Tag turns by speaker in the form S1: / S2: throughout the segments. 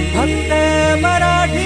S1: फक्त मराठी।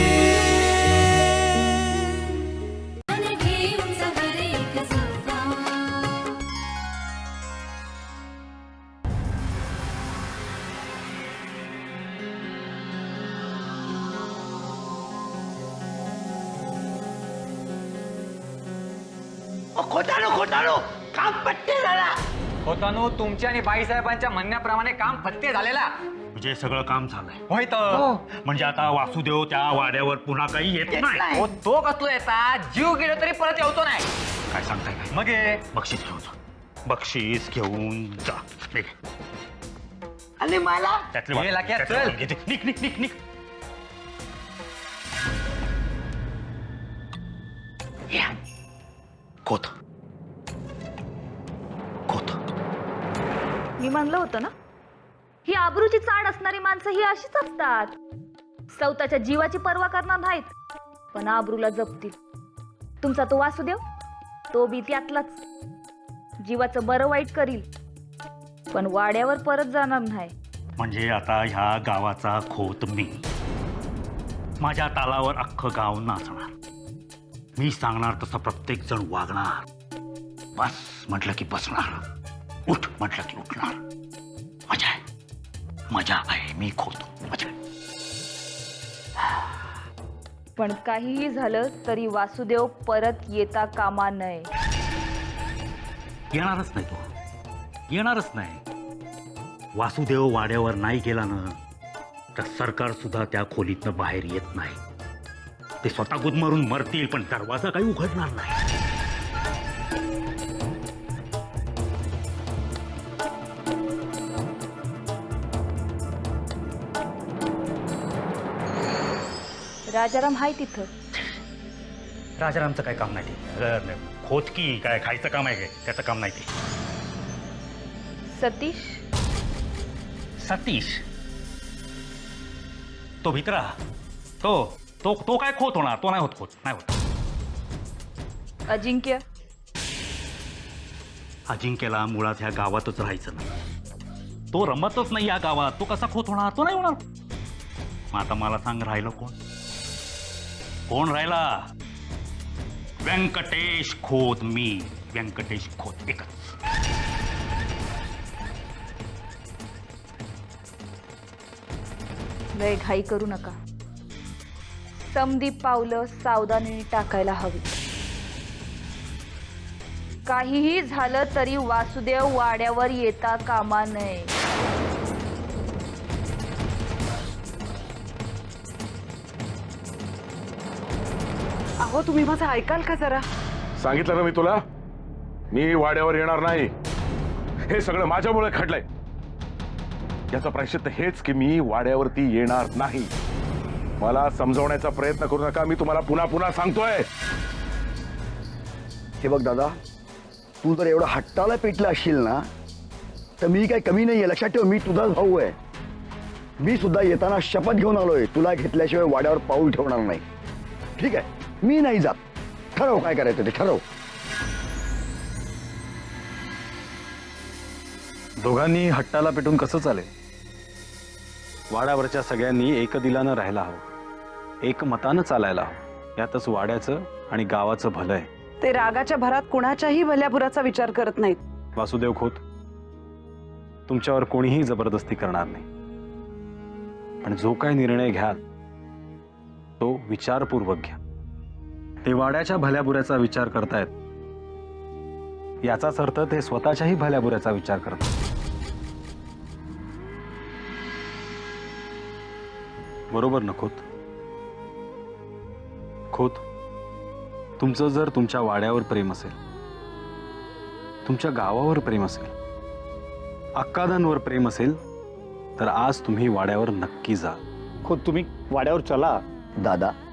S2: खोटानो काम पट्टे झाला।
S3: होतानो तुमच्या आणि बाईसाहेबांच्या म्हणण्याप्रमाणे काम फत्ते झालेला
S4: म्हणजे सगळं काम झालंय
S3: होय तर
S4: म्हणजे आता वासुदेव त्या वाड्यावर पुन्हा काही येत नाही।
S3: हो तो कसलो येता जीव गेलो तरी परत येतो नाही।
S4: काय सांगताय काय?
S3: मग हे
S4: बक्षीस घेऊन जा, बक्षीस घेऊन जा। निघ.
S2: आणि मला
S4: त्यातले
S3: हे लाक्या,
S4: त्यातले
S3: चल.
S4: वाट घेते. निघ निघ निघ निघ. या. खोत खोत
S5: मी म्हणलं होतं ना, ही आबरूची चाड असणारी माणसं ही अशीच असतात। स्वतःच्या जीवाची पर्वा करणार नाहीत पण आबरूला जपतील। तुमचा तो वासुदेव तो बी त्यातलाच, जीवाचं बरं वाईट करील पण वाड्यावर परत जाणार नाही।
S4: म्हणजे आता ह्या गावाचा खोत मी, माझ्या तालावर अख्खं गाव नाचणार, मी सांगणार तसं प्रत्येक जण वागणार। बस म्हटलं की बसणार, उठ म्हटलं की उठणार। मजा आहे, मजा आहे, मी खोतो मजा आहे।
S5: पण काहीही झालं तरी वासुदेव परत येता कामा नये।
S4: येणारच नाही तो, येणारच नाही। वासुदेव वाड्यावर नाही गेला ना तर सरकार सुद्धा त्या खोलीतनं बाहेर येत नाही। ते स्वतः गुदमरून मरतील पण दरवाजा काही उघडणार नाही।
S5: राजाराम हाय तिथं।
S4: राजारामचं काय काम नाही ते, खोदकी काय खायचं काम आहे काय, त्याचं काम नाही ते।
S5: सतीश
S4: सतीश तो भित्रा, तो तो तो काय खोत होणार, तो नाही होत खोत, नाही होत।
S5: अजिंक्य
S4: अजिंक्यला मुळात ह्या गावातच राहायचं नाही, तो रमतच नाही या गावात, तो कसा खोत होणार, तो नाही होणार। मग आता मला सांग राहिलं कोण, कोण राहिला? व्यंकटेश खोत, मी व्यंकटेश खोत एकच।
S5: लय घाई करू नका, समधी पावलं सावधानीने टाकायला हवी। काहीही झालं तरी वासुदेव वाड्यावर येता कामा नये।
S6: अहो तुम्ही माझं ऐकाल का जरा?
S7: सांगितलं ना मी तुला, मी वाड्यावर येणार नाही। हे सगळं माझ्यामुळे घडलंय, याचं प्रायश्चित्त हेच की मी वाड्यावरती येणार नाही। मला समजवण्याचा प्रयत्न करू नका, मी तुम्हाला पुन्हा पुन्हा सांगतोय।
S8: हे बघ दादा, तू जर एवढं हट्टाला पेटला असशील ना तर मी काही कमी नाहीये, लक्षात ठेव। मी तुझाच भाऊ आहे, मी सुद्धा येताना शपथ घेऊन आलोय, तुला घेतल्याशिवाय वाड्यावर पाऊल ठेवणार नाही। ठीक आहे, मी नाही जात, ठरव काय करायचं ते ठरव।
S9: दोघांनी हट्टाला पेटून कसं चालेल? वाड्यावरच्या सगळ्यांनी एकदिलानं राहायला हवं, एकमतानं चालायला हवं, यातच वाड्याचं आणि गावाचं भलं आहे।
S6: ते रागाच्या भरात कुणाच्याही भल्याभुराचा विचार करत नाहीत।
S9: वासुदेव खोत, तुमच्यावर कोणीही जबरदस्ती करणार नाही, पण जो काय निर्णय घ्याल तो विचारपूर्वक घ्या। ते वाड्याच्या भल्याबुऱ्याचा विचार करतायत याचाच अर्थ ते स्वतःच्याही भल्याबुऱ्याचा विचार करतात। बरोबर ना खोत? खोत, तुमचं जर तुमच्या वाड्यावर प्रेम असेल, तुमच्या गावावर प्रेम असेल, अक्कादांवर प्रेम असेल तर आज तुम्ही वाड्यावर नक्की जा।
S8: खुद तुम्ही वाड्यावर चला दादा।